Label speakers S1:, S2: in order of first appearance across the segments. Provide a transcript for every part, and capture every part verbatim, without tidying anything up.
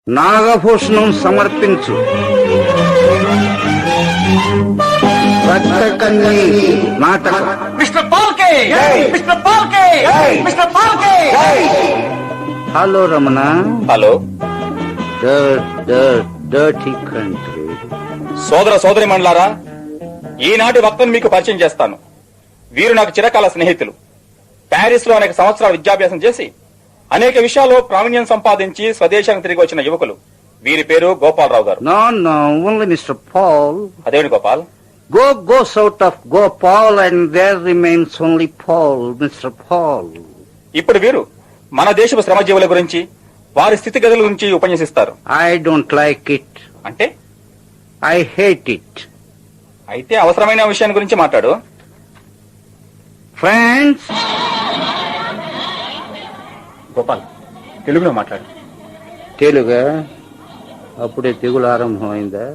S1: నాగభూషణం సమర్పించు. రక్తకన్య నాటకం.
S2: మిస్టర్ పాల్కే, మిస్టర్ పాల్కే, మిస్టర్ పాల్కే.
S1: Hello Ramana.
S3: Hello.
S1: Dirty country.
S3: సోదర సోదరి మండలారా, ఈనాటి వక్తను మీకు పరిచయం చేస్తాను. వీరు నాకు చిరకాల స్నేహితులు. ప్యారిస్ లో అనేక సంవత్సరాల విద్యాభ్యాసం చేసి అనేక విషయాల్లో ప్రావీణ్యం సంపాదించి స్వదేశానికి తిరిగి వచ్చిన యువకులు. వీరి పేరు Gopalarao garu.
S1: No no only mister Paul.
S3: అదేమిటి Gopal?
S1: Go goes out of Gopal and there remains only Paul, Mister Paul.
S3: ఇప్పుడు వీరు మన దేశపు శ్రమజీవుల గురించి, వారి స్థితిగతుల గురించి ఉపన్యసిస్తారు.
S1: I don't like it.
S3: అంటే?
S1: I hate it.
S3: అయితే అవసరమైన విషయాన్ని గురించి మాట్లాడు.
S1: ఫ్రెండ్స్.
S3: గోపాల్, తెలుగులో మాట్లాడు.
S1: తెలుగా? అప్పుడే తెగులు ఆరంభమైందా?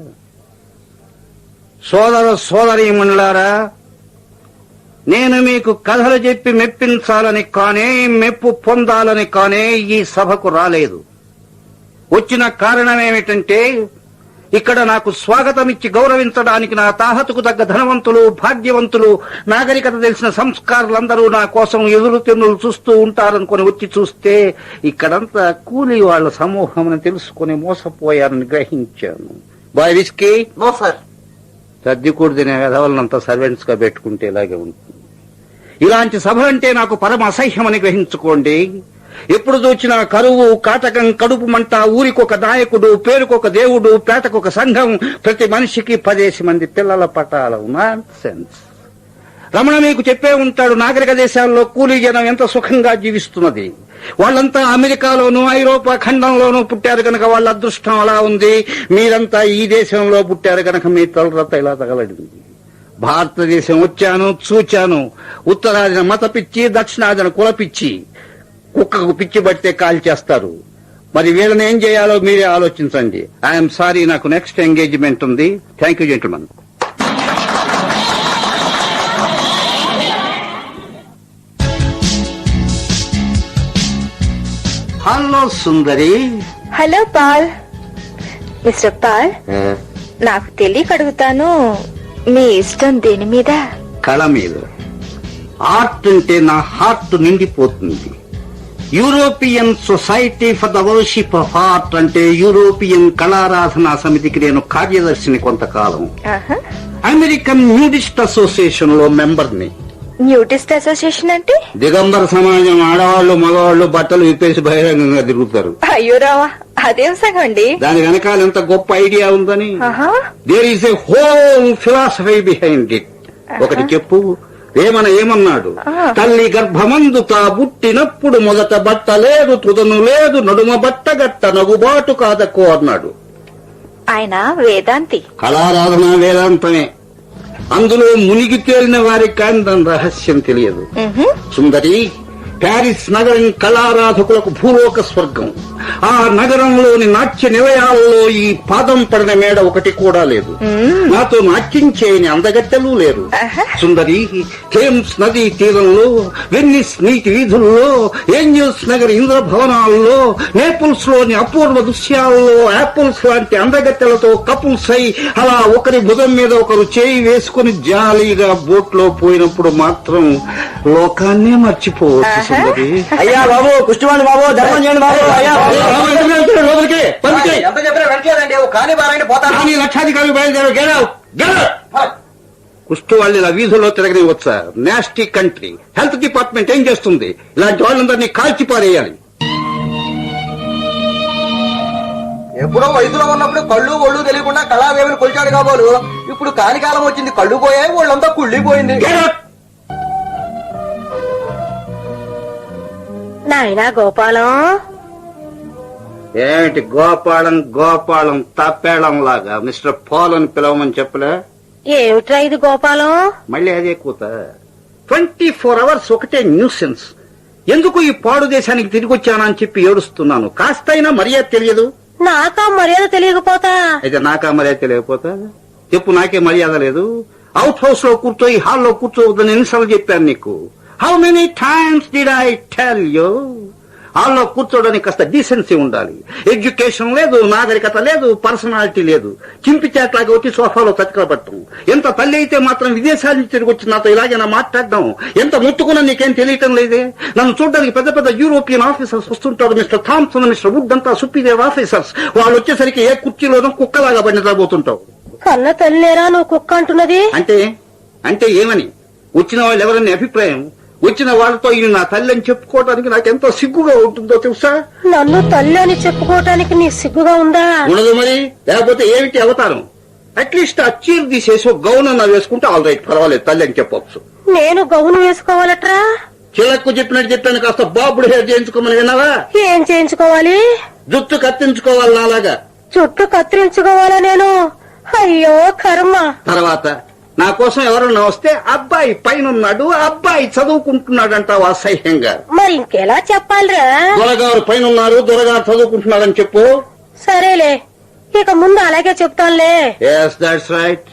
S1: సోదర సోదరీమణులారా, నేను మీకు కథలు చెప్పి మెప్పించాలని కానే, మెప్పు పొందాలని కానే ఈ సభకు రాలేదు. వచ్చిన కారణమేమిటంటే, ఇక్కడ నాకు స్వాగతమిచ్చి గౌరవించడానికి నా తాహతుకు తగ్గ ధనవంతులు, భాగ్యవంతులు, నాగరికత తెలిసిన సంస్కారులందరూ నా కోసం ఎదురు తెన్నులు చూస్తూ ఉంటారనుకుని వచ్చి చూస్తే ఇక్కడంతా కూలీ వాళ్ల సమూహం అని తెలుసుకుని మోసపోయారని గ్రహించాను. Boy whisky?
S2: No sir.
S1: సర్దికూడు తినే వెధవలనంతా సర్వెంట్స్ గా పెట్టుకుంటే ఇలాగే ఉంటుంది. ఇలాంటి సభ అంటే నాకు పరమ అసహ్యమని గ్రహించుకోండి. ఎప్పుడు చూచినా కరువు, కాటకం, కడుపు మంట, ఊరికొక నాయకుడు, పేరుకొక దేవుడు, పేటకొక సంఘం, ప్రతి మనిషికి పదేసి మంది పిల్లల పటాలు. నాన్సెన్స్. రమణ మీకు చెప్పే ఉంటాడు, నాగరిక దేశాల్లో కూలీ జనం ఎంత సుఖంగా జీవిస్తున్నది. వాళ్ళంతా అమెరికాలోనూ ఐరోపా ఖండంలోనూ పుట్టారు కనుక వాళ్ళ అదృష్టం అలా ఉంది. మీరంతా ఈ దేశంలో పుట్టారు కనుక మీ తలరత ఇలా తగలడింది. భారతదేశం వచ్చాను, చూచాను. ఉత్తరాదిన మత పిచ్చి, దక్షిణాదిన కుల పిచ్చి. కుక్కకు పిచ్చి పడితే కాల్ చేస్తారు. మరి వీళ్ళని ఏం చేయాలో మీరే ఆలోచించండి. ఐఎమ్ సారీ, నాకు నెక్స్ట్ ఎంగేజ్మెంట్ ఉంది. Thank you gentlemen. Hello Sundari.
S4: Hello Paul. Mister Paul, నాకు తెలియక అడుగుతాను, మీ ఇష్టం దేని మీద?
S1: కళ మీద. ఆర్ట్ అంటే నా హార్ట్ నిండిపోతుంది. European society for the worship of art అంటే యూరోపియన్ కళారాధనా సమితికి నేను కార్యదర్శిని కొంతకాలం. అమెరికన్ న్యూడిస్ట్ అసోసియేషన్ లో మెంబర్ని.
S4: న్యూడిస్ట్ అసోసియేషన్ అంటే?
S1: దిగంబర సమాజం, ఆడవాళ్లు మగవాళ్లు బట్టలు విప్పేసి బహిరంగంగా తిరుగుతారు.
S4: అయ్యో రావా, అదేం సంగం అండి?
S1: దాని వెనకాల ఎంత గొప్ప ఐడియా ఉందని. There is a whole philosophy behind it. ఒకటి చెప్పు. ఏమన ఏమన్నాడు? తల్లి గర్భమందు తా పుట్టినప్పుడు మొదట బట్ట లేదు, తుదను లేదు, నడుమ బట్ట గట్ట నగుబాటు కాదకో అన్నాడు.
S4: ఆయన వేదాంతి.
S1: కళారాధన వేదాంతమే. అందులో మునిగి తేలిన వారికి కానీ దాని రహస్యం తెలియదు. సుందరి, ప్యారిస్ నగరం కళారాధకులకు భూలోక స్వర్గం. ఆ నగరంలోని నాట్య నిలయాల్లో ఈ పాదం పడిన మేడ ఒకటి కూడా లేదు. నాతో నాట్యం చేయని అందగత్తెలు లేరు. సుందరి, థేమ్స్ నదీ తీరంలో, వెన్నిస్ నీటి వీధుల్లో, ఏంజల్స్ నగర్ ఇంద్ర భవనాల్లో, నేపుల్స్ లోని అపూర్వ దృశ్యాల్లో యాపిల్స్ లాంటి అందగత్తెలతో కపుల్స్ అయి అలా ఒకరి భుజం మీద ఒకరు చేయి వేసుకుని జాలీగా బోట్ లో పోయినప్పుడు మాత్రం లోకాన్నే మర్చిపోవచ్చు. సుందరి.
S2: అయ్యా బాబు, కుష్టివాణి బాబు, ధర్మం చేయండి బాబు. అయ్యా
S1: ఎంత
S2: చెప్పినా వెంటలేదండి, కానీ బాగా పోతాను.
S1: లక్షాధికారులు బయలుదేరారు. కుష్టు వాళ్ళు ఇలా వీధుల్లో తిరగనివచ్చా? Nasty country. హెల్త్ డిపార్ట్మెంట్ ఏం చేస్తుంది? ఇలాంటి వాళ్ళందరినీ కాల్చి పారేయాలి.
S2: ఎప్పుడో వయసులో ఉన్నప్పుడు కళ్ళు ఒళ్ళు తెలియకుండా కళాదేవిని కొలిచాడు కాబోలు. ఇప్పుడు కాలికాలం వచ్చింది, కళ్ళు పోయాయి, వాళ్ళంతా కుళ్ళిపోయింది.
S4: నాయనా గోపాలం.
S1: ఏమిటి గోపాలం గోపాలం తప్పేళం లాగా మిస్టర్ పాల్ అని పిలవమని చెప్పలే?
S4: ఏమిట్రా ఇది గోపాలం?
S1: మళ్ళీ అదే కూత. ట్వంటీ ఫోర్ అవర్స్ ఒకటే న్యూసెన్స్. ఎందుకు ఈ పాడు దేశానికి తిరిగి వచ్చానని చెప్పి ఏడుస్తున్నాను. కాస్తైనా మర్యాద తెలియదు.
S4: నాకా మర్యాద తెలియకపోతా?
S1: అయితే నాకా మర్యాద తెలియకపోతా? చెప్పు, నాకే మర్యాద లేదు. అవుట్ హౌస్ లో కూర్చో, ఈ హాల్లో కూర్చోవద్దని ఎన్నిసార్లు చెప్పాను నీకు? How many times did I tell you? హాల్లో కూర్చోడానికి కాస్త డీసెన్సీ ఉండాలి. ఎడ్యుకేషన్ లేదు, నాగరికత లేదు, పర్సనాలిటీ లేదు. చింపి చేట్లాగా వచ్చి సోఫాలో చతికలబట్టం. ఎంత తల్లి అయితే మాత్రం విదేశాల నుంచి తిరిగి వచ్చి నాతో ఇలాగైనా మాట్లాడడం. ఎంత ముట్టుకున్నా నీకేం తెలియటం లేదే. నన్ను చూడడానికి పెద్ద పెద్ద యూరోపియన్ ఆఫీసర్స్ వస్తుంటారు. మిస్టర్ థామ్సన్, మిస్టర్ వుడ్ అంతా సుపీరియర్ ఆఫీసర్స్. వాళ్ళు వచ్చేసరికి ఏ కుర్చీలోనూ కుక్కలాగా పడి నిద్రపోతుంటావు.
S4: కన్న తల్లిరా నువ్వు కుక్క అంటున్నది?
S1: అంటే అంటే ఏమని? వచ్చిన వాళ్ళు ఎవరని అభిప్రాయం? వచ్చిన వాళ్ళతో ఇది నా తల్లి అని చెప్పుకోవడానికి నాకెంతో సిగ్గుగా ఉంటుందో తెలుసా?
S4: నన్ను తల్లి అని చెప్పుకోవటానికి నీ సిగ్గుగా ఉందా?
S1: ఉండదు మరి, లేకపోతే ఏమిటి అవతారం? అట్లీస్ట్ ఆ చీర తీసేసి ఒక గౌన్ అన్న వేసుకుంటే ఆల్ రైట్, పర్వాలేదు, తల్లి అని చెప్పొచ్చు.
S4: నేను గౌను వేసుకోవాలట్రా?
S1: చిలక్కు చెప్పినట్టు చెప్పాను, కాస్త బాబుడు హెయిర్ చేయించుకోమని విన్నావా?
S4: ఏం చేయించుకోవాలి?
S1: జుట్టు కత్తించుకోవాలి నాలాగా.
S4: చుట్టూ కత్తిరించుకోవాలా నేను? అయ్యో కర్మ.
S1: తర్వాత నా కోసం ఎవరన్నా వస్తే అబ్బాయి పైనున్నాడు, అబ్బాయి చదువుకుంటున్నాడు అంటావు అసహ్యంగా.
S4: మరి ఇంకెలా చెప్పాలిరా?
S1: దొరగారు పైన ఉన్నారు, దొరగారు చదువుకుంటున్నాడని చెప్పు.
S4: సరేలే, ఇక ముందు అలాగే చెప్తానులే.
S1: Yes that's right.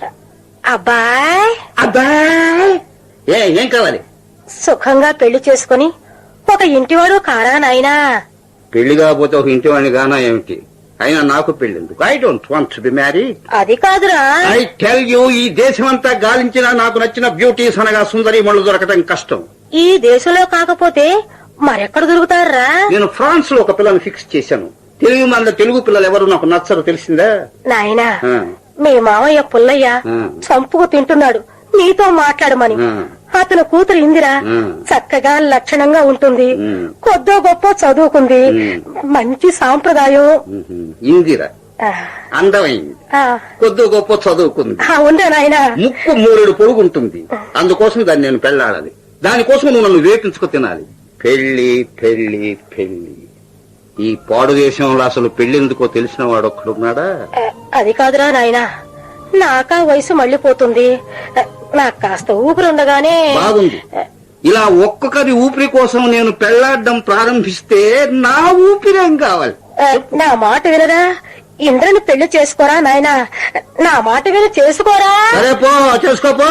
S4: అబ్బాయ్
S1: అబ్బాయ్ ఏ ఏం కావాలి?
S4: సుఖంగా పెళ్లి చేసుకుని ఒక ఇంటివాడు కారా నాయనా?
S1: పెళ్లి కాకపోతే ఒక ఇంటి వాడిని గానా ఏమిటి? అయినా నాకు పెళ్ళిందుకు. I don't want to be married.
S4: అది కాదురా.
S1: ఐ టెల్ యూ, ఈ దేశమంతా గాలించినా నాకు నచ్చిన బ్యూటీస్ అనగా సుందరి మళ్ళు దొరకటం కష్టం.
S4: ఈ దేశంలో కాకపోతే మరెక్కడ దొరుకుతారా?
S1: నేను ఫ్రాన్స్ లో ఒక పిల్లని ఫిక్స్ చేశాను. తెలుగు మన తెలుగు పిల్లలు ఎవరు నాకు నచ్చరు, తెలిసిందా?
S4: నాయనా,
S1: ఆ,
S4: మీ మావయ్య పుల్లయ్య
S1: ఆ.
S4: చంపుకు తింటున్నాడు, నీతో మాట్లాడమని.
S1: ఆ.
S4: అతను కూతురు ఇందిరా
S1: ఆ.
S4: చక్కగా లక్షణంగా ఉంటుంది,
S1: ఉమ్.
S4: కొద్దో గొప్ప చదువుకుంది,
S1: ఉమ్.
S4: మంచి సాంప్రదాయం.
S1: మ్మ్. ఇందిరా
S4: ఆ,
S1: అందమైంది,
S4: ఆ,
S1: కొద్ది గొప్ప చదువుకుంది,
S4: ఆ, ఉందా నాయనా?
S1: ముక్కు మూరెడు పొడుగుంటుంది. అందుకోసం దాన్ని నేను పెళ్లాడాలి. దానికోసం నువ్వు నన్ను వేపించుకు తినాలి. పెళ్లి పెళ్లి పెళ్లి. ఈ పాడు దేశంలో అసలు పెళ్లెందుకో తెలిసిన వాడు ఒక్కడున్నాడా?
S4: ఆ, అది కాదురా నాయనా, నాకా వయసు మళ్ళీపోతుంది. ఆ, నాకు కాస్త ఊపిరుండగానే.
S1: బాగుంది. ఇలా ఒక్కొక్కరి ఊపిరి కోసం నేను పెళ్లాడడం ప్రారంభిస్తే నా ఊపిరేం కావాలి?
S4: ఆ, నా మాట వినరా? ఇంద్రని పెళ్లి చేసుకోరా నాయనా, నా మాట విని చేసుకోరా.
S1: సరే పో, చేసుకోపో.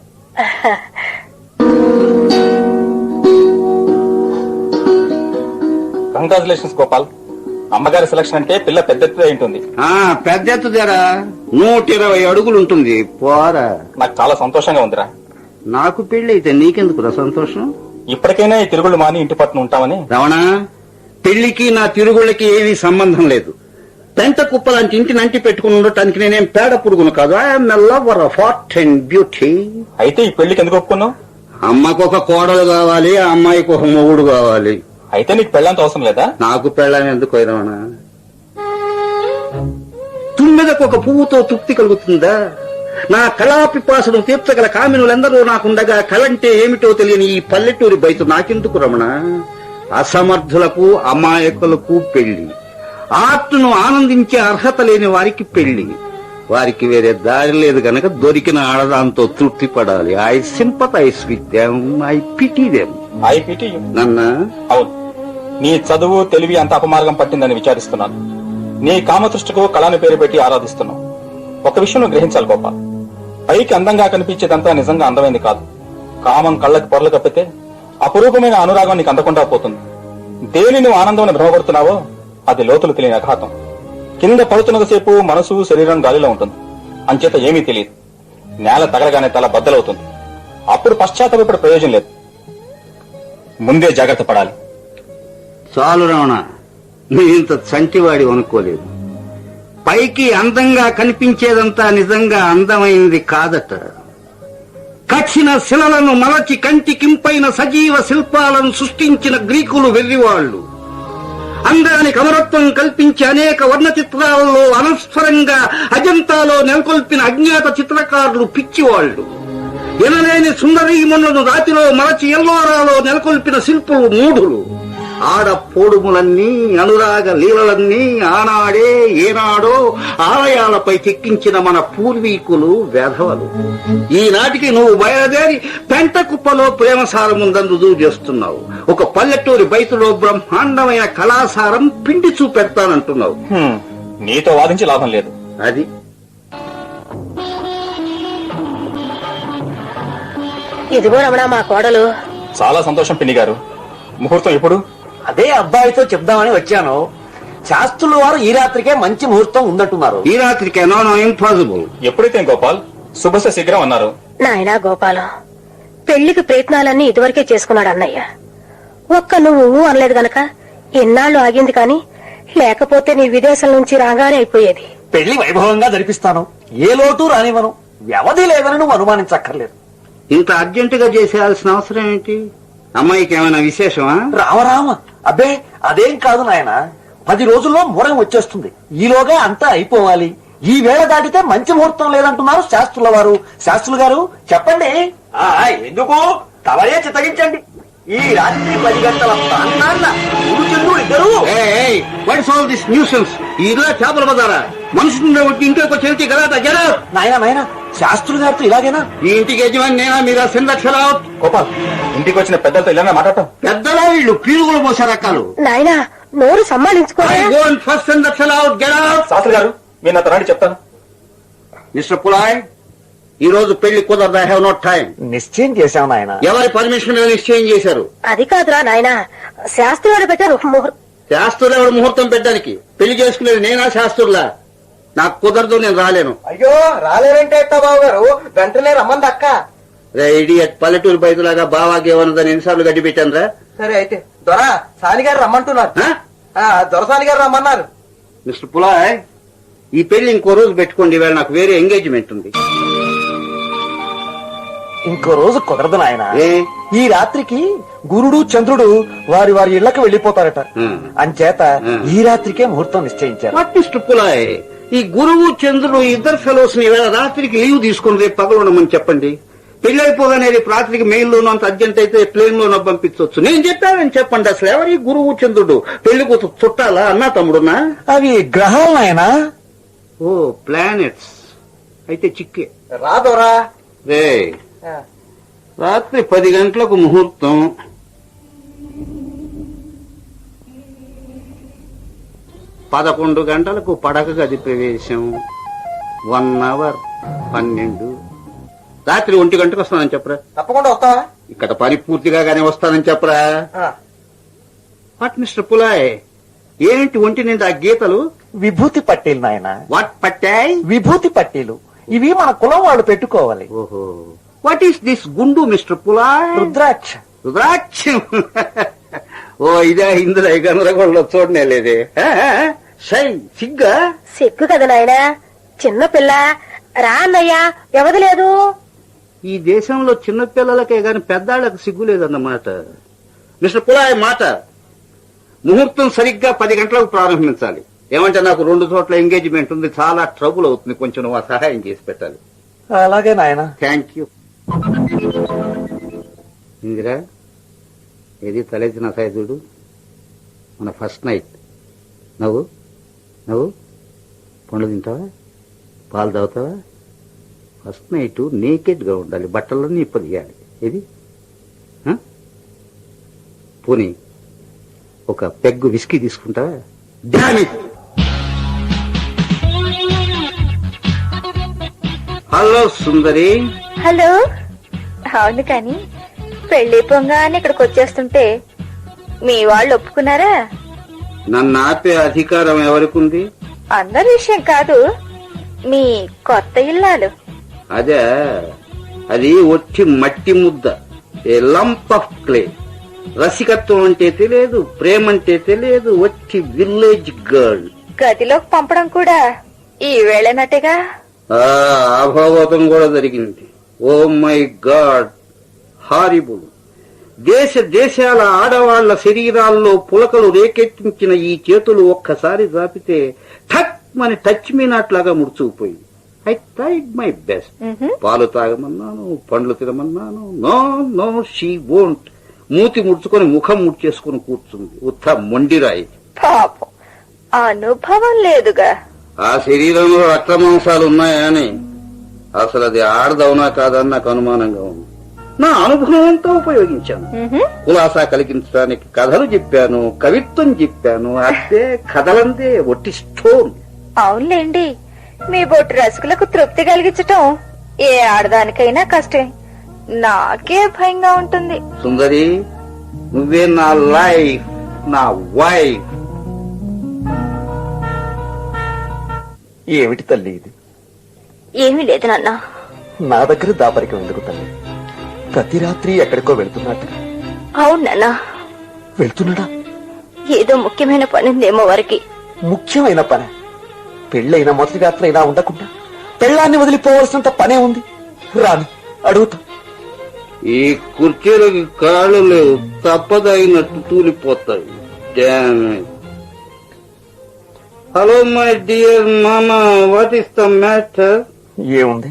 S3: కంగ్రాచులేషన్స్ గోపాల్. అమ్మగారి సెలక్షన్ అంటే పిల్ల పెద్ద ఎత్తుదే ఉంటుంది.
S1: ఆ పెద్ద ఎత్తుదేరా, నూట ఇరవై అడుగులు ఉంటుంది. పోరా.
S3: నాకు చాలా సంతోషంగా ఉందిరా.
S1: నాకు పెళ్లి అయితే నీకెందుకురా సంతోషం?
S3: ఇప్పటికైనా ఈ తిరుగుళ్ళు మాని ఇంటి పట్టున ఉంటామని.
S1: రమణ, పెళ్లికి నా తిరుగుళ్ళకి ఏమీ సంబంధం లేదు. పెంట కుప్ప లాంటి ఇంటిని అంటి పెట్టుకుని ఉండటానికి నేనేం పేడ పురుగును కాదు. I'm a lover of art and beauty.
S3: అయితే ఈ పెళ్లికి ఎందుకు ఒప్పుకున్నావు?
S1: అమ్మకు ఒక కోడలు కావాలి, ఆ అమ్మాయికి ఒక మొగుడు కావాలి.
S3: అయితే నీకు పెళ్ళంత అవసరం లేదా?
S1: నాకు పెళ్ళని ఎందుకు రమణ? తుమ్మెదకు ఒక పువ్వుతో తృప్తి కలుగుతుందా? నా కళా పిపాసను తీర్చగల కామినులందరూ నాకుండగా కళంటే ఏమిటో తెలియని ఈ పల్లెటూరి బయట నాకెందుకు రమణ? అసమర్థులకు అమాయకులకు పెళ్లి, ఆర్ట్ను ఆనందించే అర్హత లేని వారికి పెళ్లి. వారికి వేరే దారి లేదు గనక దొరికిన ఆడదాంతో తృప్తి పడాలి. I sympathise with them, I pity them.
S3: I pity you.
S1: నన్న
S3: అవును, నీ చదువు తెలివి అంత అపమార్గం పట్టిందని విచారిస్తున్నాను. నీ కామదృష్టికు కళను పేరు పెట్టి ఆరాధిస్తున్నావు. ఒక విషయం నువ్వు గ్రహించాలి గోపాల్, పైకి అందంగా కనిపించేదంతా నిజంగా అందమైంది కాదు. కామం కళ్ళకి పొరలు కప్పితే అపురూపమైన అనురాగం నీకు అందకుండా పోతుంది. దేని నువ్వు ఆనందం భ్రమపడుతున్నావో అది లోతులు తెలియని అఘాతం. కింద పడుతున్నసేపు మనసు శరీరం గాలిలో ఉంటుంది, అంచేత ఏమీ తెలియదు. నేల తగలగానే తల బద్దలవుతుంది. అప్పుడు పశ్చాత్తాపడే ప్రయోజనం లేదు. ముందే జాగ్రత్త పడాలి.
S1: చాలు రమణ, నీ ఇంత చంటివాడి అనుకోలేదు. పైకి అందంగా కనిపించేదంతా నిజంగా అందమైంది కాదట. కఠిన శిలలను మలచి కంటికింపైన సజీవ శిల్పాలను సృష్టించిన గ్రీకులు వెర్రివాళ్లు. అందానికి అమరత్వం కల్పించి అనేక వర్ణ చిత్రాలలో అనస్వరంగా అజంతాలో నెలకొల్పిన అజ్ఞాత చిత్రకారులు పిచ్చివాళ్లు. ఎనలేని సుందరీమణులను రాతిలో మలచి ఎల్లోరాలో నెలకొల్పిన శిల్పులు మూఢులు. ఆడ పోడుములన్నీ, అనురాగ లీలలన్నీ ఆనాడే ఏనాడో ఆలయాలపై చెక్కించిన మన పూర్వీకులు వెధవలు. ఈనాటికి నువ్వు బయలుదేరి పెంట కుప్పలో ప్రేమసారముందని రుజువు చేస్తున్నావు. ఒక పల్లెటూరి బయతులో బ్రహ్మాండమైన కళాసారం పిండి చూపెడతానంటున్నావు.
S3: హ్మ్, నీతో వాదించి లాభం లేదు.
S1: అది
S4: ఇదిగో రమణ మా కోడలు.
S3: చాలా సంతోషం పిన్ని గారు. ముహూర్తం ఎప్పుడు?
S2: అదే అబ్బాయితో చెప్దామని వచ్చాను. శాస్త్రుల వారు ఈ రాత్రికే మంచి ముహూర్తం ఉందంటున్నారు.
S1: ఈ రాత్రికే నో నో ఇంపాసిబుల్.
S3: ఎప్పుడైతే గోపాల్ శుభస శీఘ్రం అన్నారు.
S4: నాయనా గోపాలం, పెళ్లికి ప్రయత్నాలన్నీ ఇదివరకే చేసుకున్నాడు అన్నయ్య. ఒక్క నువ్వు అనలేదు గనక ఎన్నాళ్ళు ఆగింది కాని లేకపోతే నీ విదేశం నుంచి రాగానే అయిపోయేది.
S2: పెళ్లి వైభవంగా జరిపిస్తాను, ఏ లోటు రానివ్వను. వ్యవధి లేదని నువ్వు అనుమానించక్కర్లేదు.
S1: ఇంత అర్జెంటుగా చేసేయాల్సిన అవసరం ఏంటి? అమ్మాయికి ఏమైనా విశేషమా?
S2: రామరామ, అబ్బే అదేం కాదు నాయన. పది రోజుల్లో ముహూర్తం వచ్చేస్తుంది. ఈలోగా అంతా అయిపోవాలి. ఈ వేళ దాటితే మంచి ముహూర్తం లేదంటున్నారు శాస్త్రుల వారు. శాస్త్రులు గారు చెప్పండి. ఎందుకు తవరే చిత్తగించండి. ఈ రాత్రి పది గంటల ప్రాంతాన్న గురుచంద్రుడు ఇద్దరు.
S1: ఈ ఇల్లు చేపల బజారా? మనుషులు ఇంట్లోకి వచ్చి వెళ్తే కదా జరా.
S2: నాయన నాయన శాస్త్రులు గారితో ఇలాగేనా?
S1: ఈ ఇంటికి యజమాని నేనా? మీరు ఆ సెందక్షరా?
S3: గోపాల్, ఇంటికి వచ్చిన పెద్దలతో ఇలా మాట్లాడటం.
S1: పెద్దలా వీళ్ళు పీరుగులు పోసే రకాలు.
S4: నాయనా నోరు సమ్మానించుకోవాలి.
S1: ఫస్ట్ సెందక్షర out, get out.
S3: Shastri garu మీరు నాతో రండి చెప్తాను.
S1: మిస్టర్ పులాయ్, ఈ రోజు పెళ్లి కుదరదు. I have no time.
S2: నిశ్చయం చేశాం నాయన.
S1: ఎవరి పర్మిషన్ మీద నిశ్చయం చేశారు?
S4: అది కాదురా నాయనా, శాస్త్రులు పెట్టారు ముహూర్తం.
S1: శాస్త్రులు ఎవరు ముహూర్తం పెట్టడానికి? పెళ్లి చేసుకునేది నేనా శాస్త్రులా? నాకు కుదరదు, నేను రాలేను.
S2: అయ్యో రాలేరంటే బాబు గారు, వెంటనే రమ్మంది అక్క.
S1: ఇడియట్ పల్లెటూరు బయటలాగా బావాకి ఏమన్నదని ఎన్నిసార్లు గడ్డి పెట్టాను రా.
S2: సరే అయితే దొరా సాని గారు రమ్మంటున్నారు. దొరసాని గారు రమ్మన్నారు.
S1: మిస్టర్ పులాయ్, ఈ పెళ్లి ఇంకో రోజు పెట్టుకోండి. ఇవాళ నాకు వేరే ఎంగేజ్మెంట్ ఉంది.
S2: ఇంకో రోజు కుదరదు నాయన.
S1: ఏ?
S2: ఈ రాత్రికి గురుడు చంద్రుడు వారి వారి ఇళ్లకు వెళ్లిపోతారట.
S1: Hmm.
S2: అంచేత
S1: Hmm.
S2: ఈ రాత్రికే ముహూర్తం నిశ్చయించారు.
S1: వాట్ మిస్టర్ పులాయ్, ఈ గురువు చంద్రుడు ఇద్దరు ఫెలోస్ ని ఇవాళ రాత్రికి లీవ్ తీసుకుని రేపు పగలు ఉండమని చెప్పండి. పెళ్లి అయిపోగానే రేపు రాత్రికి మెయిల్ లోనూ అంత అర్జెంట్ అయితే ప్లేన్ లోనో పంపించవచ్చు. నేను చెప్పానని చెప్పండి. అసలు ఎవరి గురువు చంద్రుడు? పెళ్లి కూతు చుట్టాలా? అన్నా తమ్ముడున్నా?
S2: అవి గ్రహాలు నాయనా.
S1: Oh planets. అయితే చిక్కే.
S2: రాదోరా.
S1: రే, రాత్రి పది గంటలకు ముహూర్తం. పదకొండు గంటలకు పడక గది ప్రవేశం. వన్ అవర్ పన్నెండు. రాత్రి ఒంటి గంటకు వస్తానని చెప్పరా.
S2: తప్పకుండా వస్తావా?
S1: ఇక్కడ పని పూర్తిగా గానే వస్తానని చెప్పరా. వాట్ మిస్టర్ పులాయ్, ఏంటి ఒంటి నిండా గీతలు?
S2: విభూతి పట్టీలు నాయన.
S1: వాట్ పట్టాయ్?
S2: విభూతి పట్టీలు. ఇవి మన కులం వాళ్ళు పెట్టుకోవాలి.
S1: ఓహో, వాట్ ఈస్ దిస్ గుండు మిస్టర్ పులాయ్?
S2: రుద్రాక్ష.
S1: రుద్రాక్షం. ఓ ఇదే ఇందులో గందరగోళంలో చూడనే లేదే. సై సిగ్గా?
S4: సిగ్గు కదా నాయనా, చిన్నపిల్ల. రా అన్నయ్యా, వ్యవధి లేదు.
S1: ఈ దేశంలో చిన్నపిల్లలకే గాని పెద్దాళ్లకు సిగ్గు లేదన్నమాట. మిస్టర్ పులాయ్ మాట, ముహూర్తం సరిగ్గా పది గంటలకు ప్రారంభించాలి. ఏమంటే నాకు రెండు చోట్ల ఎంగేజ్మెంట్ ఉంది, చాలా ట్రబుల్ అవుతుంది. కొంచెం నువ్వు ఆ సహాయం చేసి పెట్టాలి.
S2: అలాగే నాయన.
S1: Thank you. ఇందిరా, ఏది తలెత్తిన సైదుడు మన ఫస్ట్ నైట్. నవ్వు నవ్వు. పండ్లు తింటావా? పాలు తాగుతావా? ఫస్ట్ నైట్ నేకెడ్ గా ఉండాలి, బట్టలన్నీ ఇప్పదియాలి. ఏది పోనీ ఒక పెగ్గు విస్కీ తీసుకుంటావా? డామిట్. హలో సుందరి.
S5: హలో. అవును కాని పెళ్లి పొంగానే ఇక్కడికి వచ్చేస్తుంటే మీ వాళ్ళు ఒప్పుకున్నారా?
S1: నన్ను ఆపే అధికారం ఎవరికుంది?
S5: అందరి విషయం కాదు, మీ కొత్త ఇల్లాలు.
S1: అదే, అది ఒట్టి మట్టి ముద్ద, ఏ లంప్ ఆఫ్ క్లే. రసికత్వం అంటే తెలియదు, ప్రేమ అంటే తెలియదు, ఒట్టి విలేజ్ గర్ల్.
S5: గదిలోకి పంపడం కూడా ఈ వేళనట్టుగా.
S1: అభావతం కూడా జరిగింది. Oh my god, horrible. దేశ దేశాల ఆడవాళ్ల శరీరాల్లో పులకలు రేకెత్తించిన ఈ చేతులు ఒక్కసారి జాపితే ఠక్ మని టచ్ మీ నాట్లాగా ముడుచుకుపోయి. I tried my best. పాలు తాగమన్నాను, పండ్లు తినమన్నాను. No no, she won't. మూతి ముడుచుకొని ముఖం ముడ్చేసుకుని కూర్చుంది. ఉత్త మొండిరాయి.
S5: పాపం, అనుభవం లేదుగా.
S1: ఆ శరీరంలో రక్త మాంసాలు ఉన్నాయా అని. అసలు అది ఆడదవునా కాదని నాకు అనుమానంగా ఉంది. నా అనుభవం అంతా ఉపయోగించాను. కులాసా కలిగించడానికి కథలు చెప్పాను, కవిత్వం చెప్పాను. అదే కథలందే ఒట్టి స్టోన్.
S5: అవునులేండి, మీ బొట్టు రసుకులకు తృప్తి కలిగించటం ఏ ఆడదానికైనా కష్టమే. నాకే భయంగా ఉంటుంది.
S1: సుందరి, నువ్వే నా లైఫ్, నా వైఫ్.
S2: ఏమిటి తల్లి ఇది?
S5: ఏమీ లేదు నాన్న.
S2: నా దగ్గర దాపరికం ఎందుకు తల్లి? ప్రతి రాత్రి ఎక్కడికో వెళ్తున్నట్టు.
S5: అవును నాన్న,
S2: వెళ్తున్నాడా?
S5: ఏదో ముఖ్యమైన పని ఉందేమో వారికి.
S2: ముఖ్యమైన పని? పెళ్ళైన మొదటి రాత్రి ఇలా ఉండకుండా పెళ్ళాన్ని వదిలిపోవలసినంత పనే ఉంది. రాని అడుగుతా.
S1: ఈ కుర్చీలకి కాళ్ళు లేవు, తప్పదగినట్టు తూలిపోతాయి. హలో మై డియర్ మామా, వాట్ ఇస్ ద మ్యాటర్?
S2: ఏముంది?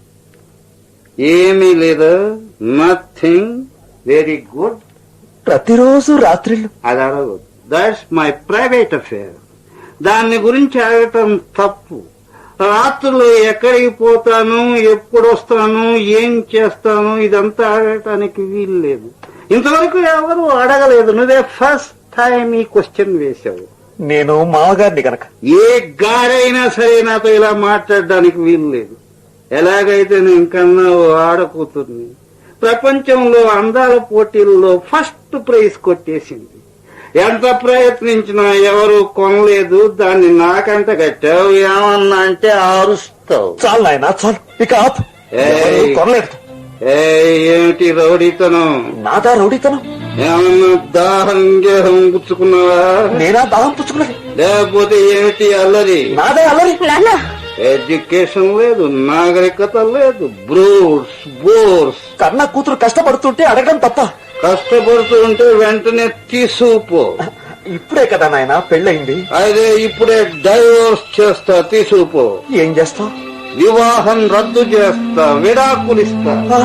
S1: ఏమీ లేదా? నథింగ్. Very good.
S2: ప్రతిరోజు రాత్రిళ్ళు
S1: అది అడగదు. That's my private affair. దాన్ని గురించి అడగటం తప్పు. రాత్రులు ఎక్కడికి పోతాను, ఎప్పుడు వస్తాను, ఏం చేస్తాను, ఇదంతా అడగటానికి వీలు లేదు. ఇంతవరకు ఎవరు అడగలేదు. నువ్వే ఫస్ట్ టైం ఈ క్వశ్చన్ వేశావు.
S2: నేను మామగారిని గనక.
S1: ఏ గారైనా సరే నాతో ఇలా మాట్లాడడానికి వీలు లేదు. ఎలాగైతే నేను కన్నావు ఆడకూతుర్ని. ప్రపంచంలో అందాల పోటీల్లో ఫస్ట్ ప్రైజ్ కొట్టేసింది. ఎంత ప్రయత్నించినా ఎవరు కొనలేదు. దాన్ని నాకంట కట్టావు. ఏమన్నా అంటే ఆరుస్తావు.
S2: చాలు నాయనా, చాలు. ఇక ఆపు.
S1: ఏయ్.
S2: ఎవరూ కొనలేదు.
S1: ఏ ఏమిటి రౌడీతనం?
S2: నాదా రౌడీతనం?
S1: ఏమన్నా దాహం గేహం పుచ్చుకున్నావా?
S2: నేనా దాహం పుచ్చుకున్నది?
S1: లేకపోతే ఏమిటి అల్లరి?
S2: నాదే అల్లరి.
S5: నాన్న,
S1: ఎడ్యుకేషన్ లేదు, నాగరికత లేదు. Brutes bores.
S2: కన్న కూతురు కష్టపడుతుంటే అడగడం తప్ప?
S1: కష్టపడుతూ ఉంటే వెంటనే తీసుకుపో.
S2: ఇప్పుడే కదా నాయన పెళ్ళయింది.
S1: అదే ఇప్పుడే డైవోర్స్ చేస్తా, తీసుకుపో.
S2: ఏం చేస్తావు?
S1: వివాహం రద్దు చేస్తా, విడాకులిస్తా.
S2: ఆ,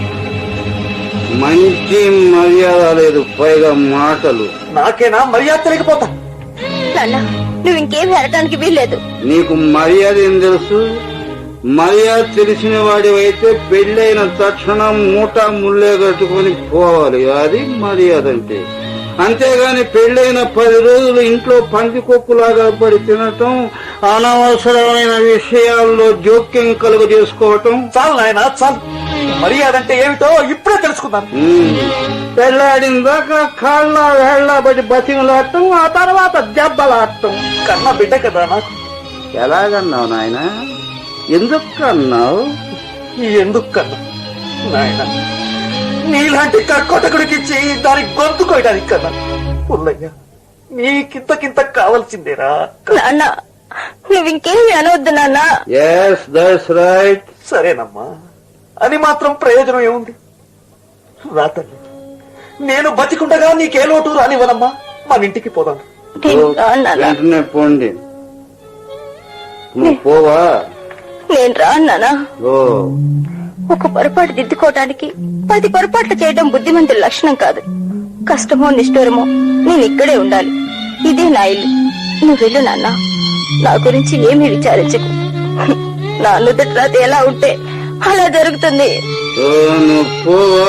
S1: మంచి మర్యాద లేదు, పైగా మాటలు.
S2: నాకేనా మర్యాద తెలియకపోతా?
S5: నాన్న, నువ్వు ఇంకేమీ అడగడానికి వీల్లేదు.
S1: నీకు మర్యాద ఏం తెలుసు? మర్యాద తెలిసిన వాడివైతే పెళ్ళైన తక్షణం మూటా ముళ్ళే కట్టుకుని పోవాలి. అది మర్యాద అంటే. అంతేగాని పెళ్ళైన పది రోజులు ఇంట్లో పందికొక్కులాగా పడి తినటం, అనవసరమైన విషయాల్లో జోక్యం కలుగ చేసుకోవటం.
S2: చాలు నాయన, చాలు. మర్యాద అంటే ఏమిటో ఇప్పుడే తెలుసుకుందాం.
S1: పెళ్ళాడిన దాకా కాళ్ళ వేళ్ల బట్టి బతిమలాడటం, ఆ తర్వాత దెబ్బలాడటం.
S2: కన్న బిడ్డ కదా నాకు.
S1: ఎలాగన్నావు నాయన? ఎందుకు అన్నావు?
S2: ఎందుకు కన్నా నాయన? నీలాంటి కక్కొటకుడికి ఇచ్చి దానికి గొంతు కోయడానికి కన్నా. పుల్లయ్య, నీకింతకింత కావాల్సిందేరా.
S5: నాన్న, నువ్వు ఇంకేమీ అనవద్దు నాన్న.
S1: Yes that's right.
S2: సరేనమ్మా, అని మాత్రం ప్రయోజనం ఏముంది? రా తల్లి, నేను బతికుండగా నీకే లోటు రానివ్వనమ్మా. మన ఇంటికి పోదాం.
S5: నేను రాను నాన్న.
S1: వెంటనే పోండి. నువ్వు పోవా?
S5: నేను రాను నాన్న.
S1: ఓ,
S5: ఒక పొరపాటు దిద్దుకోవటానికి పది పొరపాట్లు చేయడం బుద్ధిమంతుల లక్షణం కాదు. కష్టమో నిష్ఠూరమో నేను ఇక్కడే ఉండాలి. ఇదే నా ఇల్లు. నువ్వు వెళ్ళు నాన్న. నా గురించి ఏమీ విచారించకు. నా నుదుటి రాత ఎలా ఉంటే అలా జరుగుతుంది.
S1: ఓ, నువ్వు పోవా?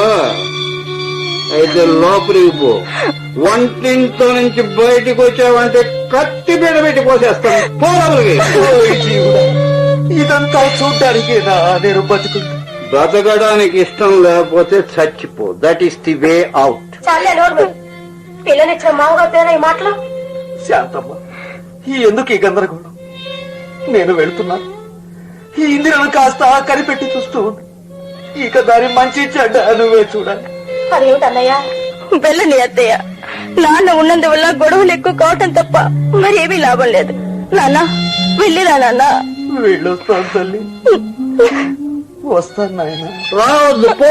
S1: అయితే లోపలికి పో. వంటింట్లో నుంచి బయటికి వచ్చావంటే కత్తి బీడ పెట్టి పోసేస్తాను. పో లోపలికి.
S2: ఓయ్ జీవుడా, ఇదంతా చూడ్డానికేనా నేను బతుకుంటా?
S1: బ్రతకడానికి ఇష్టం లేకపోతే చచ్చిపో. That is the way out.
S4: చాలే నోడు. పిల్లనిచ్చిన మామగారితోనే ఈ మాటలు.
S2: శాంతమ్మ, ఈ ఎందుకు ఈ గందరగోళం? నేను వెళ్తున్నాను. ఈ ఇందిరను కాస్త కనిపెట్టి చూస్తూ ఉంది. ఇక దాని మంచి చెడ్డ నువ్వే చూడాలి.
S4: అదేమిటి అన్నయ్య?
S5: వెళ్ళని అత్తయ్య. నాన్న ఉన్నందువల్ల గొడవలు ఎక్కువ కావటం తప్ప మరేమీ లాభం లేదు. నాన్న, వెళ్ళిరా నాన్న.
S2: వెళ్ళొస్తాను తల్లి, వస్తాను నాయన.
S1: రావద్దు, పో.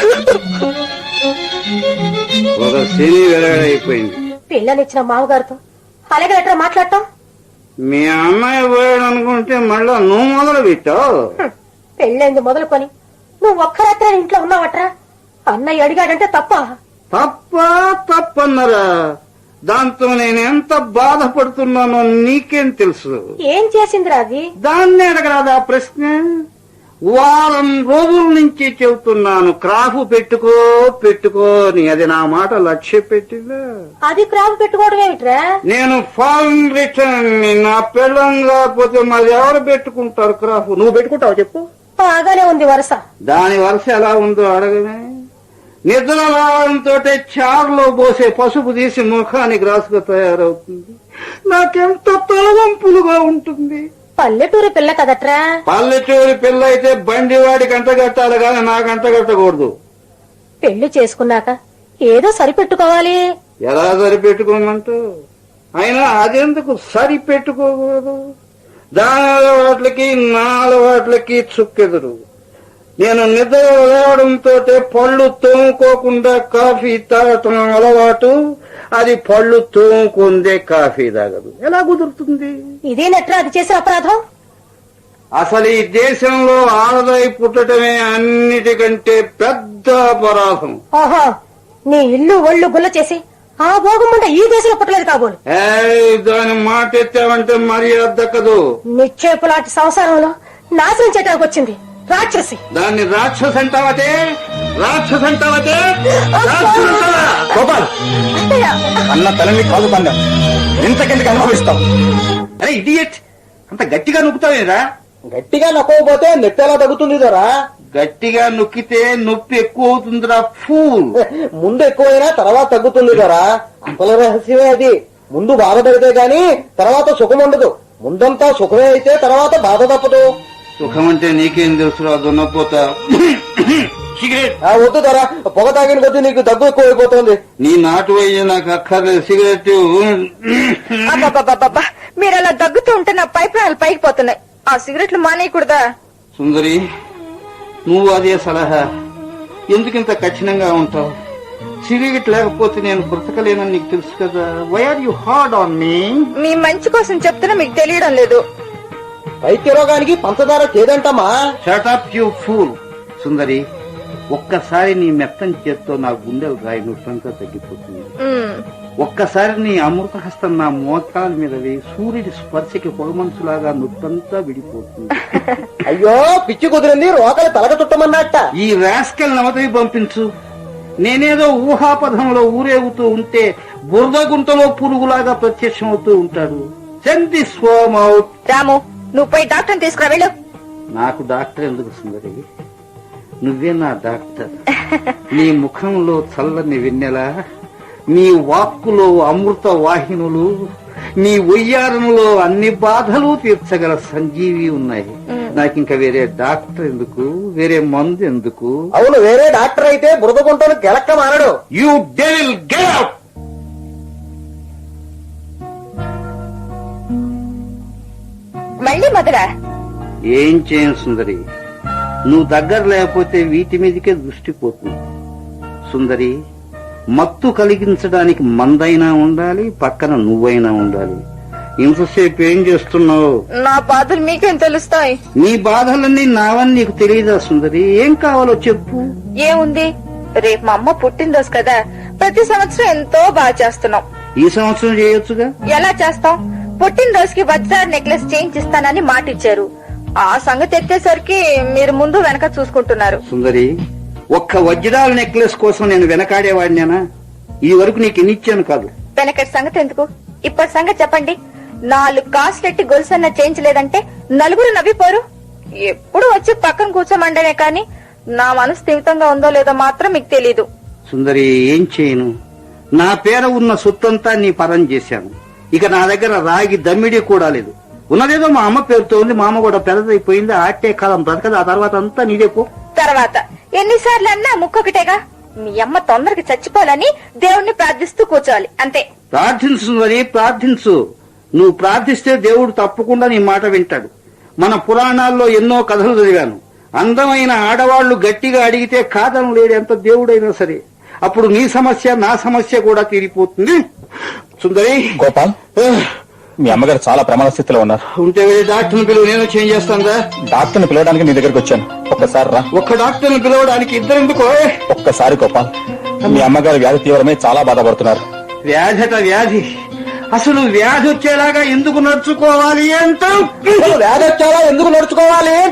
S1: ఒక సినీ వెలగడైపోయింది.
S4: పిల్లనిచ్చిన మామగారితో అలాగే ఎట్లా మాట్లాడటం?
S1: మీ అమ్మాయి పోయాడు అనుకుంటే మళ్ళా నువ్వు మొదలు పెట్టావు.
S4: పెళ్ళైంది మొదలుకొని నువ్వు ఒక్క రాత్రి ఇంట్లో ఉన్నావట్రా? అన్నయ్య అడిగాడంటే తప్ప?
S1: తప్ప తప్పన్నరా? దాంతో నేను ఎంత బాధపడుతున్నానో నీకేం తెలుసు?
S4: ఏం చేసిందిరా అది?
S1: దాన్ని అడగరాదా ప్రశ్న? వారం రోజుల నుంచి చెబుతున్నాను, క్రాఫ్ పెట్టుకో పెట్టుకో అని. అది నా మాట లక్ష్య పెట్టిందా?
S4: అది క్రాప్ పెట్టుకోవడం ఏమిట్రా?
S1: నేను ఫారెన్ రిటర్న్. నా పెళ్ళం కాకపోతే మరి ఎవరు పెట్టుకుంటారు క్రాఫ్? నువ్వు పెట్టుకుంటావు చెప్పు.
S4: బాగానే ఉంది వరుస.
S1: దాని వరుస ఎలా ఉందో అడగనే. నిద్ర రావడంతో చారులో పోసే పసుపు తీసి ముఖానికి రాసుగా తయారవుతుంది. నాకెంత తలవంపులుగా ఉంటుంది.
S4: పల్లెటూరు పిల్ల కదట్రా.
S1: పల్లెటూరి పిల్ల అయితే బండి వాడికి అంటగట్టాలి కానీ నాకు అంటగట్టకూడదు.
S4: పెళ్లి చేసుకున్నాక ఏదో సరిపెట్టుకోవాలి.
S1: ఎలా సరిపెట్టుకోమంటూ? అయినా అదెందుకు సరిపెట్టుకోకూడదు? దాని అలవాట్లకి నా అలవాట్లకి చుక్కెదురు. నేను నిద్ర లేవడంతో పళ్ళు తోముకోకుండా కాఫీ తాగటం అలవాటు. అది పళ్ళు తోముకుందే కాఫీ తాగదు. ఎలా కుదురుతుంది?
S4: ఇదేనట్రా అది చేసిన అపరాధం.
S1: అసలు ఈ దేశంలో ఆడదై పుట్టడమే అన్నిటికంటే పెద్ద అపరాధం.
S4: ఓహో, నీ ఇల్లు ఒళ్ళు గుల్ల చేసి ఆ భోగం ముందు ఈ దేశంలో పుట్టలేదు కాబోలు.
S1: ఏయ్, దాని మాట ఎత్తావంటే మర్యాద దక్కదు.
S4: నిక్షేపు లాంటి సంసారంలో నాశనం చేయడానికి వచ్చింది రాక్షసి.
S1: దాన్ని రాక్షస అంటావతే? రాక్షస అంటావతే?
S3: గోపాల్, అన్న తలని కాదు పండ ఇంతకెందుకు అనుభవిస్తాం?
S1: అరే ఇడియట్, అంత గట్టిగా నొక్కుతావేరా?
S2: గట్టిగా నొక్కకపోతే నొప్పి ఎలా తగ్గుతుంది దొరా?
S1: గట్టిగా నొక్కితే నొప్పి ఎక్కువ అవుతుందిరా ఫూల్.
S2: ముందు ఎక్కువైనా తర్వాత తగ్గుతుంది దొరా. అసలు రహస్యమే అది. ముందు బాధ పెడితే గాని తర్వాత సుఖం ఉండదు. ముందంతా సుఖమే అయితే తర్వాత బాధ తప్పదు.
S1: సుఖం అంటే నీకేం తెలుసురా దున్నపోతా. సిగరెట్
S2: ఆ వద్దు దొరా, పొగ తాగిన కొద్దీ నీకు దగ్గు ఎక్కువైపోతుంది.
S1: నీ నాటు అయ్యే నాకు అక్కర్లేదు సిగరెట్.
S5: అబ్బబ్బబ్బబ్బబ్బా, మీరు అలా దగ్గుతూ ఉంటే నా పై ప్రాణాలు పైకి పోతున్నాయి. ఆ సిగరెట్లు మానేయకూడదా?
S1: సుందరి, నువ్వు అదే సలహా. ఎందుకింత కఠినంగా ఉంటావు? సిగరెట్ లేకపోతే నేను బ్రతకలేనని నీకు తెలుసు కదా. Why are you hard on me?
S5: మీ మంచి కోసం చెప్తున్నా మీకు తెలియడం లేదు.
S2: వైద్య రోగానికి పంచదార చేదంటమ్మా.
S1: Shut up you fool. Sundari, ఒక్కసారి నీ మెత్తని చేత్తో నా గుండెలు రాయి నొప్పంతా తగ్గిపోతుంది.
S5: ఉమ్,
S1: ఒక్కసారి నీ అమృత హస్తం నా మోకాల మీద వేయి సూర్యుడి స్పర్శకి పొగమంచులాగా నొప్పంతా విడిపోతుంది.
S2: అయ్యో పిచ్చి కుదిరింది, రోకలు తలక చుట్టమన్నట్ట.
S1: ఈ రాస్కెల్ నవతవి పంపించు. నేనేదో ఊహాపథంలో ఊరేగుతూ ఉంటే బురద గుంటలో పురుగులాగా ప్రత్యక్షమవుతూ ఉంటాడు. Send this form out.
S5: Ramu, నువ్వు పోయి డాక్టర్ని తీసుకురా వెళ్ళు.
S1: నాకు డాక్టర్ ఎందుకు సుందరి? నువ్వే నా డాక్టర్. నీ ముఖంలో చల్లని వెన్నెల, నీ వాక్కులో అమృత వాహినులు, నీ ఒయ్యారంలో అన్ని బాధలు తీర్చగల సంజీవి ఉన్నాయి. నాకింక వేరే డాక్టర్ ఎందుకు? వేరే మందు ఎందుకు?
S2: అవును, వేరే డాక్టర్ అయితే బురద గుంటను గెలక్క మానడు.
S1: You devil get out.
S5: మళ్ళీ మొదలా?
S1: ఏం చేయను సుందరి, నువ్వు దగ్గర లేకపోతే వీటి మీదకే దృష్టి పోతుంది. సుందరి, మత్తు కలిగించడానికి మందైనా ఉండాలి, పక్కన నువ్వైనా ఉండాలి. ఇంతసేపు ఏం చేస్తున్నావు?
S5: నా బాధలు మీకేం తెలుస్తాయి?
S1: నీ బాధలన్నీ నావని నీకు తెలియదా సుందరి? ఏం కావాలో చెప్పు.
S5: ఏముంది, రేపు మా అమ్మ పుట్టినరోజు కదా, ప్రతి సంవత్సరం ఎంతో బాగా చేస్తున్నాం.
S1: ఈ సంవత్సరం చేయొచ్చుగా.
S5: ఎలా చేస్తాం? పుట్టినరోజుకి వజ్రాల నెక్లెస్ చేయించిస్తానని మాట ఇచ్చారు. ఆ సంగతి ఎత్తేసరికి మీరు ముందు వెనక చూసుకుంటున్నారు.
S1: సుందరి, ఒక్క వజ్రాల నెక్లెస్ కోసం నేను వెనకాడేవాడినేనా? ఈ వరకు నీకు ఎన్నిచ్చాను కాదు.
S5: వెనకటి సంగతి ఎందుకు, ఇప్పటి సంగతి చెప్పండి. నాలుగు కాసులెట్టి గొలుసన్న చేయించలేదంటే నలుగురు నవ్విపోరు. ఎప్పుడు వచ్చి పక్కన కూర్చోమండనే కాని నా మనసు స్థిమితంగా ఉందో లేదో మాత్రం మీకు తెలీదు.
S1: సుందరి, ఏం చేయను? నా పేర ఉన్న సొత్తంతా నీ పరం చేశాను. ఇక నా దగ్గర రాగి దమ్మిడి కూడా లేదు. ఉన్నదేదో మా అమ్మ పేరుతో ఉంది. మా అమ్మ కూడా పెద్దదైపోయింది. ఆటే కాలం బ్రతకదు. ఆ తర్వాత అంతా నీదే పో.
S5: తర్వాత ఎన్నిసార్లు అన్నా ముక్కొకటేగా. మీ అమ్మ తొందరగా చచ్చిపోవాలని దేవుణ్ణి ప్రార్థిస్తూ కూర్చోవాలి అంతే.
S1: ప్రార్థించు సుందరి, ప్రార్థించు. నువ్వు ప్రార్థిస్తే దేవుడు తప్పకుండా నీ మాట వింటాడు. మన పురాణాల్లో ఎన్నో కథలు చదివాను. అందమైన ఆడవాళ్లు గట్టిగా అడిగితే కాదను లేడెంత దేవుడైనా సరే. అప్పుడు నీ సమస్య నా సమస్య కూడా తీరిపోతుంది. సుందరి,
S3: గోపాల్, మీ అమ్మగారు చాలా ప్రమాద స్థితిలో ఉన్నారు.
S1: ఉంటే వెళ్ళి డాక్టర్ని పిలువు. నేను చేంజ్ చేస్తాను.
S3: డాక్టర్ని పిలవడానికి నీ దగ్గరికి వచ్చాను. ఒక్కసారి రా.
S1: ఒక్క డాక్టర్ని పిలవడానికి ఇద్దరు ఎందుకో?
S3: ఒక్కసారి గోపాల్, మీ అమ్మగారు వ్యాధి తీవ్రమై చాలా బాధపడుతున్నారు.
S1: వ్యాధట వ్యాధి. అసలు వ్యాధి వచ్చేలాగా ఎందుకు నడుచుకోవాలి అంట?
S2: వ్యాధి వచ్చావా ఎందుకు నడుచుకోవాలి ఏంట?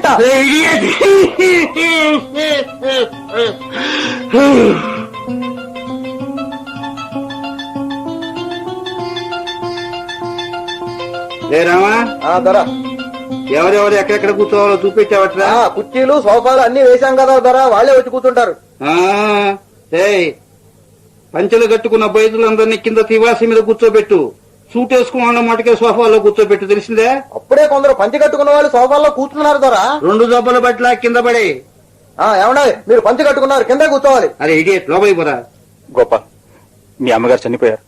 S1: లేరామా,
S2: ధర
S1: ఎవరెవరు ఎక్కడెక్కడ కూర్చోవాలో చూపించావట్రా?
S2: కుర్చీలు సోఫాలు అన్ని వేశాం కదా ధర, వాళ్ళే వచ్చి కూర్చుంటారు.
S1: ఆ, ఏయ్ పంచెలు కట్టుకున్న బయదులందరినీ కింద తివాసి మీద కూర్చోబెట్టు. సూట్ వేసుకున్న మాటకే సోఫాలో కూర్చోబెట్టు, తెలిసిందే?
S2: అప్పుడే కొందరు పంచి కట్టుకున్న వాళ్ళు సోఫాల్లో కూర్చున్నారు దొరా.
S1: రెండు దెబ్బల బట్ల కింద పడే.
S2: ఏమన్నా మీరు పంచి కట్టుకున్నారు, కింద కూర్చోవాలి.
S1: అరే ఇడియట్, లోపలికి పోరా.
S3: గోపాల్, మీ అమ్మగారు చనిపోయారు.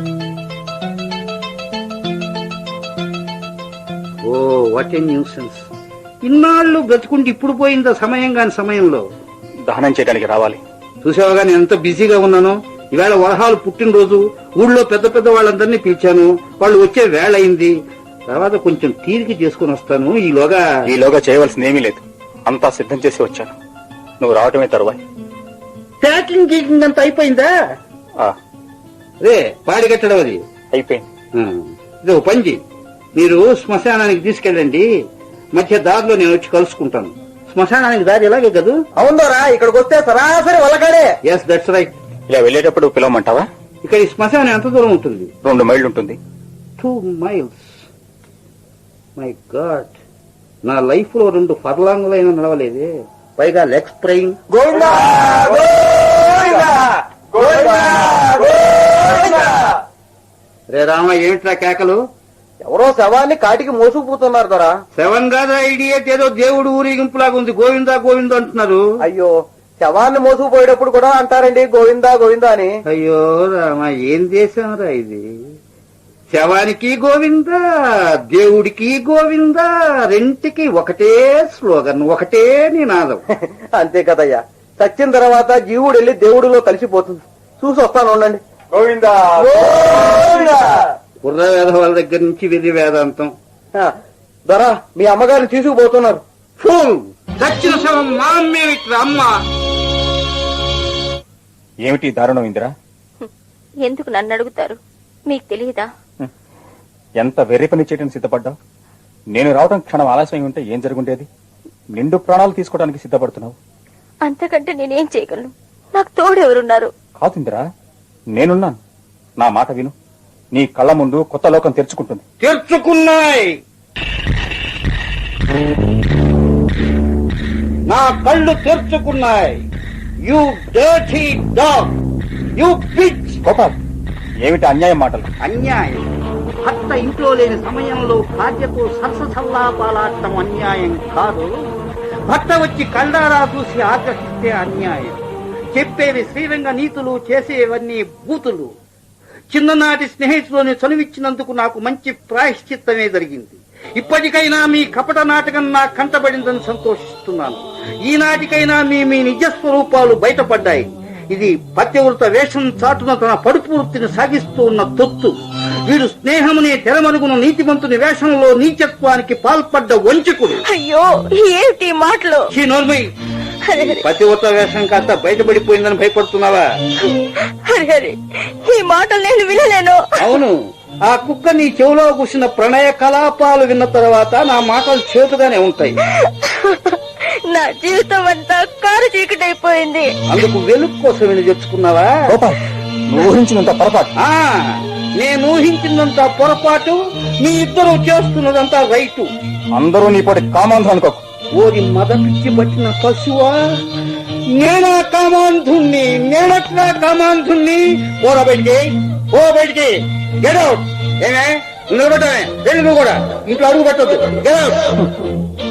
S1: Oh what a nuisance. ఇన్నాళ్ళు బ్రతుకుంటే ఇప్పుడు పోయిందా సమయం కాని సమయంలో.
S3: దహనం చేయడానికి రావాలి.
S1: చూసావుగా నేను ఎంత బిజీగా ఉన్నాను. ఈవేళ వరహాలు పుట్టినరోజు, ఊళ్ళో పెద్ద పెద్ద వాళ్ళందరినీ పిలిచాను. వాళ్ళు వచ్చే వేళ అయింది. తర్వాత కొంచెం తీరిక చేసుకుని వస్తాను. ఈలోగా
S3: ఈలోగా చేయవలసింది ఏమీ లేదు, అంతా సిద్ధం చేసి వచ్చాను. నువ్వు రావటమే తరువాయి.
S1: ప్యాకింగ్ గీకింగ్ అంతా అయిపోయిందా?
S3: ఆ,
S1: రే పాడి కట్టడం అది
S3: అయిపోయింది.
S1: ఆ, ఇది ఒక పంజి. మీరు శ్మశానానికి తీసుకెళ్ళండి. మధ్య దారిలో నేను వచ్చి కలుసుకుంటాను. శ్మశానానికి దారి ఎలాగే కదూ?
S2: అవుందోరా, ఇక్కడికి వస్తే సరాసరి వల్లకాడే.
S1: Yes that's right.
S3: ఇలా వెళ్ళేటప్పుడు పిలవమంటావా?
S1: ఇక్కడ ఈ శ్మశానం ఎంత దూరం ఉంటుంది?
S3: రెండు మైళ్ళు ఉంటుంది.
S1: Two miles. మై గాడ్, నా లైఫ్ లో రెండు ఫర్లాంగులైనా నడవలేదే. పైగా లెగ్ స్ప్రెయింగ్.
S2: గోవిందా గోవిందా గోవిందా గోవిందా.
S1: రే రామ, ఏమిట్రా కేకలు?
S2: ఎవరో శవాన్ని కాటికి మోసుకుపోతున్నారు దొరా.
S1: సెవెన్ కాదా ఐడియట్, ఏదో దేవుడు ఊరేగింపులాగా ఉంది. గోవిందా గోవిందా అంటున్నారు.
S2: అయ్యో, శవాన్ని మోసుకుపోయేటప్పుడు కూడా అంటారండి గోవిందా గోవిందా అని.
S1: అయ్యో రామ, ఏం చేశాంరా ఇది? శవానికి గోవిందా, దేవుడికి గోవిందా, రెంటికి ఒకటే స్లోగన్, ఒకటే నినాదం.
S2: అంతే కదయ్యా, చచ్చిన తర్వాత జీవుడు వెళ్ళి దేవుడిలో కలిసిపోతుంది. చూసి వస్తాను ఉండండి. గోవిందా గోవిందా.
S1: బుర్ర వేదవాళ్ళ దగ్గర నుంచి వెర్రి వేదాంతం.
S2: దొరా, మీ అమ్మగారిని తీసుకుపోతున్నారు.
S1: ఫూల్, చచ్చిన శవం మా అమ్మేమిట్రా అమ్మ.
S3: ఏమిటి దారుణం ఇందిరా?
S5: ఎందుకు నన్ను అడుగుతారు? మీకు తెలియదా?
S3: ఎంత వెర్రి పని చేయడానికి సిద్ధపడ్డావు? నేను రావడం క్షణం ఆలస్యం ఉంటే ఏం జరుగుండేది? నిండు ప్రాణాలు తీసుకోవడానికి సిద్ధపడుతున్నావు.
S5: అంతకంటే నేనేం చేయగలను? నాకు తోడు ఎవరున్నారు?
S3: కాదు ఇందిరా, నేనున్నాను. నా మాట విను. నీ కళ్ళ ముందు కొత్త లోకం తెరుచుకుంటుంది.
S1: తెరుచుకున్నాయి. నా కళ్ళు తెరుచుకున్నాయి. You dirty dog, you bitch.
S3: Gopal, ఏమిటి అన్యాయం మాటలు?
S1: అన్యాయం. భర్త ఇంట్లో లేని సమయంలో భార్యతో సరసల్లాపాలాడటం అన్యాయం కాదు. భర్త వచ్చి కళ్ళారా చూసి ఆగ్రహిస్తే అన్యాయం. చెప్పేవి శ్రీరంగ నీతులు, చేసేవన్నీ బూతులు. చిన్ననాటి స్నేహితులని చనువిచ్చినందుకు నాకు మంచి ప్రాయశ్చిత్తమే జరిగింది. ఇప్పటికైనా మీ కపట నాటకం నా కంటబడిందని సంతోషిస్తున్నాను. ఈనాటికైనా మీ మీ నిజ స్వరూపాలు బయటపడ్డాయి. ఇది పత్యవృత వేషం చాటున తన పడుపు వృత్తిని సాగిస్తూ ఉన్న తొత్తు. వీడు స్నేహమునే తెరమరుగున నీతిమంతుని వేషంలో నీచత్వానికి పాల్పడ్డ వంచకుడు.
S5: అయ్యో, ఏమిటి మాటలు?
S1: ఈ నోర్మై, పతివ్రత వేషం కాస్త బయటపడిపోయిందని భయపడుతున్నావా?
S5: హరి, ఈ మాటలు నేను వినలేను.
S1: అవును, ఆ కుక్క నీ చెవిలో కూసిన ప్రణయ కలాపాలు విన్న తర్వాత నా మాటలు చేతుగానే ఉంటాయి.
S5: నా జీవితం అంతా కారు చీకటైపోయింది.
S1: అందుకు వెలుగు కోసం వెళ్ళి తెచ్చుకున్నావా?
S3: గోపాల్, నువ్వు ఊహించినంత పొరపాటు.
S1: ఆ, నేను ఊహించినంత పొరపాటు, మీ ఇద్దరు చేస్తున్నదంతా రైటు.
S3: అందరూ నీ పోటీ కామాంధం అనుకోకు.
S1: ఓరి మద పిచ్చి పట్టిన పశువా, నేనా కామాంధుణ్ణి? నేనట్లా కామాంధుణ్ణి? పోరా బయటికి, ఓ బయటికి, గెట్ అవుట్. ఏమే నిలబడ్డానే, వెళ్ళి నువ్వు కూడా ఇంట్లో అడుగు పెట్టద్దు. Get out.